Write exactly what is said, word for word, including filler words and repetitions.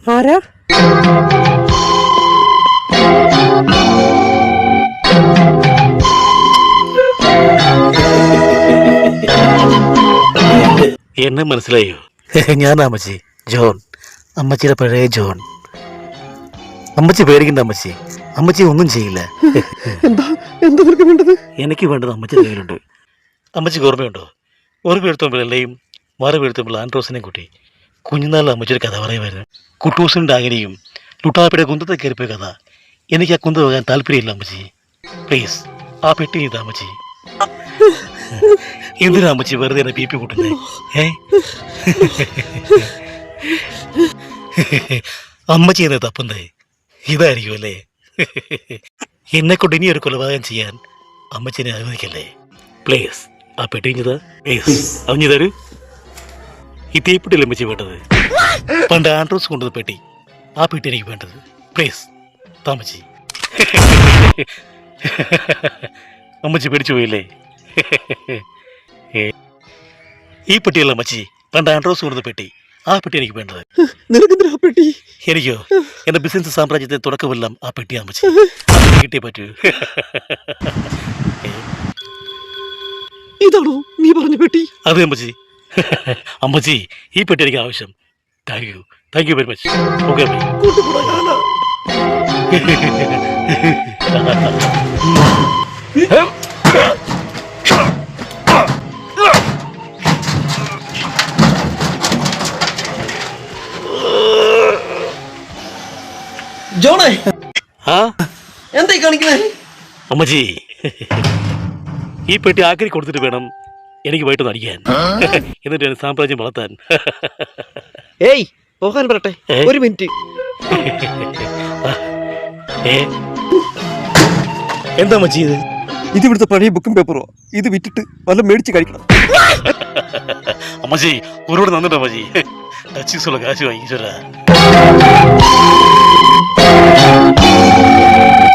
ആരാ? എന്നെ മനസ്സിലായോ? ഞാൻ അമ്മച്ചി, ജോൺ, അമ്മച്ചിയുടെ പഴയ ജോൺ. അമ്മച്ചി പേടിക്കണ്ട അമ്മച്ചി, അമ്മച്ചി ഒന്നും ചെയ്യില്ല. എന്താ എന്താ നിനക്ക് വേണ്ടത്? എനിക്ക് വേണ്ടത് അമ്മച്ചി കയ്യിലുണ്ട്. അമ്മച്ചിക്ക് ഓർമ്മയുണ്ടോ? ഒരു വീഴ്ത്തുമ്പോഴെല്ലാം മറു വീഴ്ത്തുമ്പോൾ ആൻഡ്രോസിനെയും കൂട്ടി കുഞ്ഞുനാളിൽ അമ്മച്ചിയുടെ കഥ പറയുമായിരുന്നു. കുട്ടൂസും ഡാഗിനിയും ലുട്ടാപ്പിയുടെ കുന്തത്തെ കയറിപ്പോയ കഥ. എനിക്ക് ആ കുന്ത പോകാൻ താല്പര്യമില്ല അമ്മച്ചി. പ്ലീസ് ആ പെട്ടി ഇതാ അമ്മച്ചി. എന്തിനാ അമ്മച്ചി വെറുതെ എന്നെ പി പി കൂട്ടുന്നേ? ഏ അമ്മച്ചി എന്നെ തപ്പുന്നേ ഇതായിരിക്കും അല്ലേ? എന്നെ കൊണ്ട് ഇനി ഒരു കൊലപാതകം ചെയ്യാൻ അമ്മച്ചിനെ അനുവദിക്കല്ലേ? പ്ലീസ് ആ പെട്ടിഞ്ഞത് പ്ലീസ് അവഞ്ഞു തരൂ. ഈ തീപ്പെട്ടില്ല അമ്മച്ചി വേണ്ടത്. പണ്ട് ആൻഡ്രോസ് കൊണ്ടത് പെട്ടി, ആ പെട്ടി എനിക്ക് വേണ്ടത്. പ്ലീസ് താമച്ചി. അമ്മച്ചി പേടിച്ചു പോയില്ലേ? ഈ പെട്ടിയല്ല അമ്മച്ചി, പണ്ട് ആൻഡ്രോസ് കൊണ്ടത് പെട്ടി, ആ പെട്ടി എനിക്ക് വേണ്ടത്. നിനക്കെന്തിനാ പെട്ടി? എനിക്കോ എന്റെ ബിസിനസ് സാമ്രാജ്യത്തെ തുടക്കമെല്ലാം ആ പെട്ടി അമ്മച്ചി. കിട്ടിയേ പറ്റൂ. ഇതാണോ നീ പറഞ്ഞ പെട്ടി? അതെ അമ്മച്ചി. അമ്മച്ചി ഈ പെട്ടി എനിക്ക് ആവശ്യം. Thank you thank you very much. Okay ജോണേ, ആ എന്തായി കാണിക്കണേ? അമ്മച്ചി ഈ പെട്ടി ആക്രി കൊടുത്തിട്ട് വേണം എനിക്ക് വൈകിട്ട് നടിക്കാൻ, എന്നിട്ട് എന്റെ സാമ്രാജ്യം വളർത്താൻ. ഏയ് പോകാൻ പറട്ടെ, ഒരു മിനിറ്റ്. എന്താ അമ്മച്ചി ഇത്? ഇത് ഇവിടുത്തെ പഴയ ബുക്കും പേപ്പറോ? ഇത് വിറ്റിട്ട് വല്ല മേടിച്ച് കഴിക്കണം. അമ്മച്ചി ഒരുപാട് നന്ദിട്ടോ അമ്മച്ചി. ടച്ചീസുള്ള കാശ് വാങ്ങിച്ചോരാ.